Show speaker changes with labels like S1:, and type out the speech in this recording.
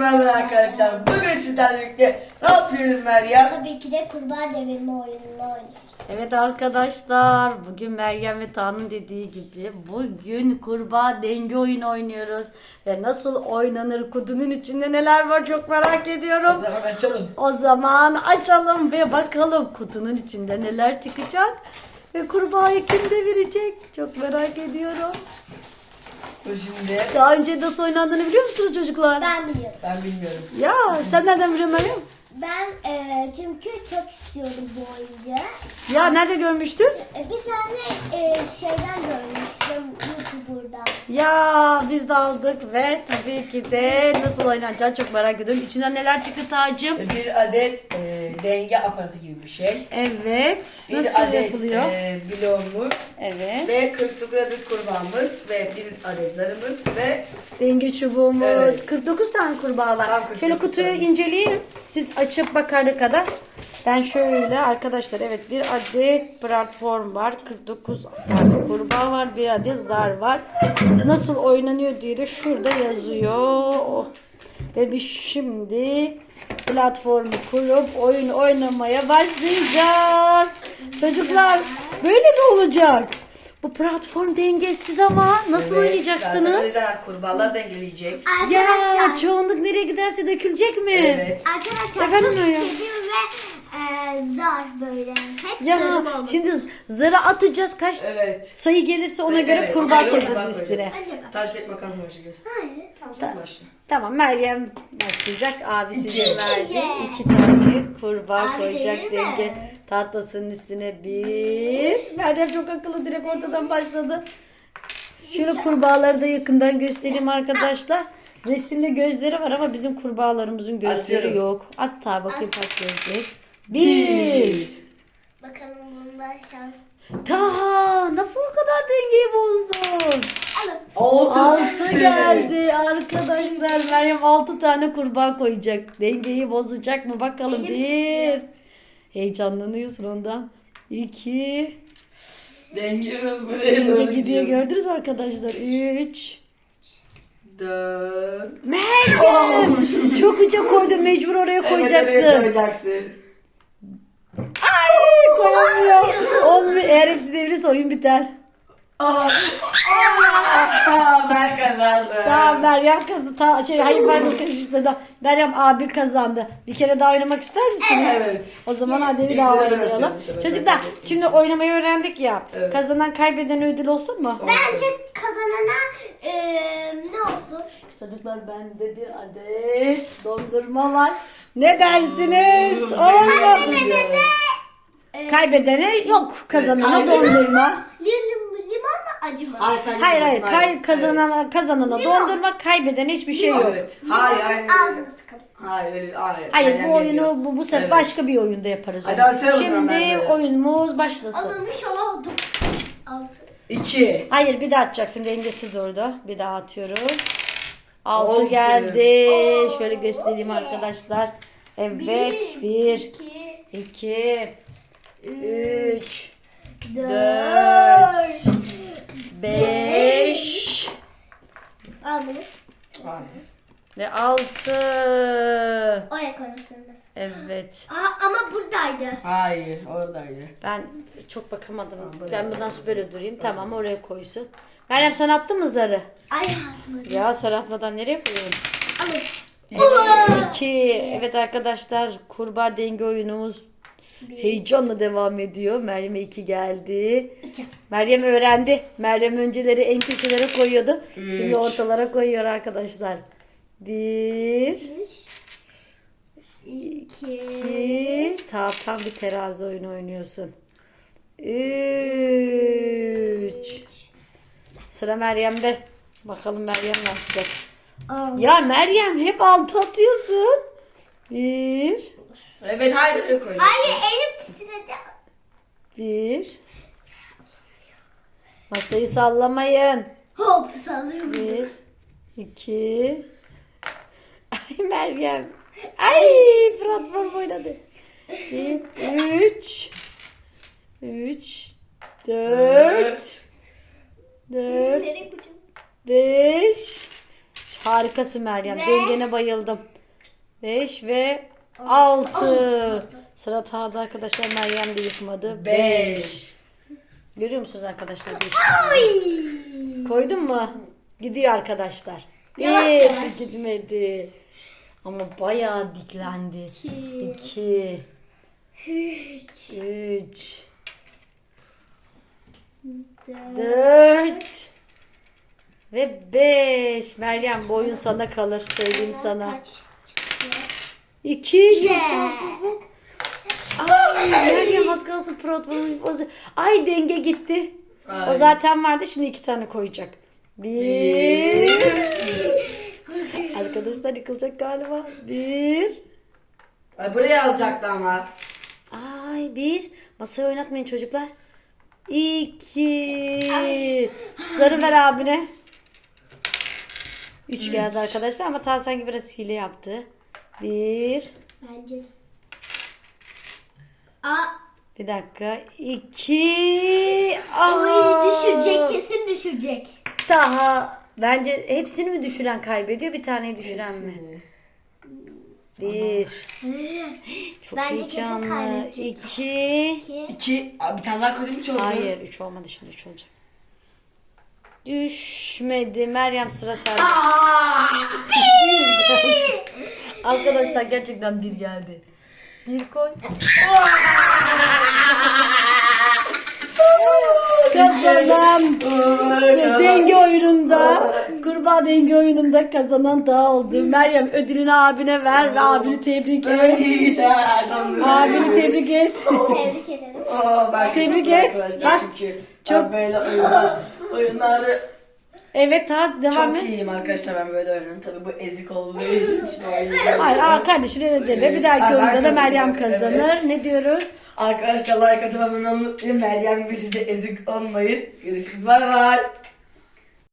S1: merhaba arkadaşlar. Bugün sizlerle birlikte ne yapıyoruz Meryem?
S2: Tabii ki de kurbağa devirme oyununu oynuyoruz.
S3: Evet arkadaşlar, bugün Meryem ve Tan'ın dediği gibi bugün kurbağa denge oyunu oynuyoruz. Ve nasıl oynanır, kutunun içinde neler var çok merak
S1: O
S3: ediyorum.
S1: zaman açalım.
S3: O zaman açalım ve bakalım kutunun içinde neler çıkacak. Ve kurbağayı kim devirecek çok merak ediyorum.
S1: Dur şimdi.
S3: Daha önce nasıl oynandığını biliyor musunuz çocuklar?
S2: Ben biliyorum.
S1: Ben bilmiyorum.
S3: Ya sen nereden biliyorsun Meryem?
S2: Ben çünkü çok istiyordum bu oyuncağı.
S3: Ya nerede görmüştün?
S2: Bir tane şeyden görmüştüm YouTuber'dan.
S3: Ya biz de aldık ve tabii ki de nasıl oynanacağını çok merak ediyorum. İçinden neler çıktı Tacım?
S1: Bir adet denge aparatı gibi bir şey.
S3: Evet.
S1: Bir
S3: Nasıl
S1: adet
S3: yapılıyor?
S1: bloğumuz
S3: Evet.
S1: ve 49 adet kurbağamız ve bir adet zarımız ve
S3: Denge çubuğumuz.
S1: Evet.
S3: 49 tane kurbağa var.
S1: Tam 49
S3: Şöyle kutuyu
S1: tane.
S3: inceleyeyim. Siz açıp bakana kadar. Ben şöyle arkadaşlar evet bir adet platform var. 49 tane kurbağa var. Bir adet zar var. Nasıl oynanıyor diye de şurada yazıyor. Oh. Ve biz şimdi platformu kurup oyun oynamaya başlayacağız. Çocuklar böyle mi olacak? Bu platform dengesiz ama nasıl
S1: evet,
S3: oynayacaksınız?
S1: zaten o yüzden kurbağalar dengeleyecek.
S3: Ya
S2: Arkadaşlar,
S3: çoğunluk nereye giderse dökülecek mi?
S1: Evet.
S2: arkadaşlar
S3: Efendim
S2: çok
S3: ya?
S2: istedim ve zar böyle. Hep
S3: Ya
S2: zarım oldu.
S3: şimdi zara atacağız kaç
S1: Evet.
S3: sayı gelirse ona göre
S1: Evet,
S3: kurbağa
S1: ona göre
S3: koyacağız
S1: kurbağa
S3: üstüne.
S2: Acaba?
S1: Taş kağıt makas başlıyoruz.
S2: Hayır.
S1: Tamam sen başla.
S3: Tamam Meryem başlayacak. Abisi
S1: İki.
S3: verdi.
S2: İki.
S3: 2 tane kurbağa
S2: Abi
S3: koyacak
S2: değil mi?
S3: denge tahtasının üstüne bir. Meryem çok akıllı direkt ortadan başladı. Şöyle kurbağaları da yakından göstereyim arkadaşlar. Resimde gözleri var ama bizim kurbağalarımızın gözleri
S1: Atıyorum.
S3: yok. Hatta bakayım kaç gelecek. Bir.
S2: Bakalım bunda şans.
S3: Ta nasıl o kadar dengeyi bozdun?
S2: Alın.
S1: Oldu.
S3: 6 geldi arkadaşlar. Meryem 6 tane kurbağa koyacak. Dengeyi bozacak mı bakalım.
S2: Elim
S3: Bir. Heyecanlanıyorsun ondan. 2.
S1: Dengemi buraya doğru
S3: Gidiyor gördünüz mü arkadaşlar. 3.
S1: 4.
S3: Meryem çok uca koydun, mecbur oraya koyacaksın.
S1: Evet, koyacaksın.
S3: Ay koyamıyor. Olmuyor. Eğer hepsi devirirse oyun biter.
S1: Ben kazandım.
S3: Tamam Meryem kazandı. Hayır ben karıştırdım. Meryem abi kazandı. Bir kere daha oynamak ister misiniz?
S1: Evet.
S3: O zaman hadi bir
S1: İlk
S3: daha
S1: ben
S3: oynayalım.
S1: atıyorum bu sefer.
S3: Çocuklar
S1: Sen
S3: şimdi oynamayı öğrendik ya.
S1: Evet.
S3: Kazanan kaybeden ödül olsun mu?
S2: Bence kazanana ne olsun?
S3: Çocuklar bende bir adet dondurma var. Ne dersiniz? Olur mu? Kaybedene yok. Kazanana
S1: Evet,
S3: dondurma.
S2: Limon mu acı mı?
S3: Hayır kazanana dondurma, kaybedene hiçbir şey yok.
S1: Evet. Hayır.
S2: Ağzımı sıkalım.
S1: Hayır.
S3: Hayır
S1: Meryem
S3: bu oyunu
S1: geliyor.
S3: bu sefer
S1: Evet.
S3: başka bir oyunda yaparız.
S1: Hadi
S3: onu.
S1: atıyorum o zaman ben
S3: Şimdi
S1: sana.
S3: oyunumuz başlasın.
S2: Alınmış oldum. 6.
S1: 2.
S3: Hayır bir daha atacaksın, dengesiz durdu. Bir daha atıyoruz. 6
S1: Oldu.
S3: geldi.
S2: Oo.
S3: Şöyle göstereyim arkadaşlar. Evet 1
S2: 2,
S3: 2 3
S2: 4,
S3: 5
S2: Al bunu.
S3: ve 6.
S2: Oraya koymak zorundasın.
S3: Evet.
S2: Ama buradaydı.
S1: Hayır, oradaydı.
S3: Ben çok bakamadım. Ben bundan böyle durayım. Tamam oraya koysun. Meryem sen attın mı zarı?
S2: Ay atmadım.
S3: Ya zar atmadan nereye koyuyorsun?
S2: Alın.
S3: 2. Evet arkadaşlar kurbağa denge oyunumuz heyecanla devam ediyor. Meryem'e 2 geldi. Meryem öğrendi. Meryem önceleri en köşelere koyuyordu. Şimdi
S1: Üç.
S3: ortalara koyuyor arkadaşlar. 1
S2: 2,
S3: 2 tam bir terazi oyunu oynuyorsun. 3 Sıra Meryem'de. Bakalım Meryem ne yapacak? Ya Meryem hep 6 atıyorsun. 1
S1: Evet, hayır öyle koy.
S2: Hayır elim titredi.
S3: 1 Masayı sallamayın.
S2: Hop sallıyorum.
S3: 1 2 Ay Meryem. Ay platform oynadı. 3 4
S2: Nereye koyacağım?
S3: 5 Harikasın Meryem. Dengene bayıldım. 5 ve 6. Sıra Taha'da arkadaşlar. Meryem de yıkmadı. 5. Görüyor musunuz arkadaşlar? Koydun mu? Gidiyor arkadaşlar.
S2: Yavaş
S3: Bir
S2: yavaş.
S3: gitmedi. Ama bayağı diklendi. 2 3 4 ve 5. Meryem bu oyun sana kalır. Söyleyeyim sana.
S2: Kaç?
S3: 2 çok şanslısın. Ay Meryem az kalsın Ay denge gitti.
S1: Ay.
S3: O zaten vardı, şimdi 2 tane koyacak. 1 Arkadaşlar yıkılacak galiba. 1
S1: Ay, buraya alacaktı ama.
S3: Ay 1 Masayı oynatmayın çocuklar. 2 Zarı ver abine. 3 geldi arkadaşlar ama Taha sanki biraz hile yaptı. 1
S2: Bence de.
S3: Bir dakika. 2
S2: Ay düşürecek, kesin düşürecek.
S3: Daha bence hepsini mi düşüren kaybediyor, bir taneyi düşüren mi? 1 Çok
S2: Bence kesin
S3: heyecanlı.
S2: kaybedecek.
S3: 2
S1: 2. Abi bir tane daha koydum, 3 oldu.
S3: Hayır 3 olmadı, şimdi 3 olacak. Düşmedi. Meryem sıra sende. Bir geldi. Arkadaşlar gerçekten 1 geldi. 1 koy. Kazanan denge oyununda, kurbağa denge oyununda kazanan Taha oldu. Meryem ödülünü abine ver ve abini tebrik et. Abini tebrik et.
S2: Tebrik ederim.
S3: Tebrik et.
S1: Arkadaşlar
S3: Bak,
S1: çünkü
S3: çok-
S1: ben böyle oyunları
S3: Evet Taha devam
S1: çok
S3: et.
S1: iyiyim arkadaşlar, ben böyle oynuyorum. Tabii bu ezik olduğu için oynuyorum.
S3: Hayır kardeşin öyle deme. Bir dahaki
S1: Ben
S3: oyunda da
S1: kazanırım,
S3: Meryem kazanır.
S1: evet.
S3: Ne diyoruz?
S1: Arkadaşlar like atıp abone olmayı unutmayın. Meryem gibi siz de ezik olmayın. Görüşürüz. Bay bay.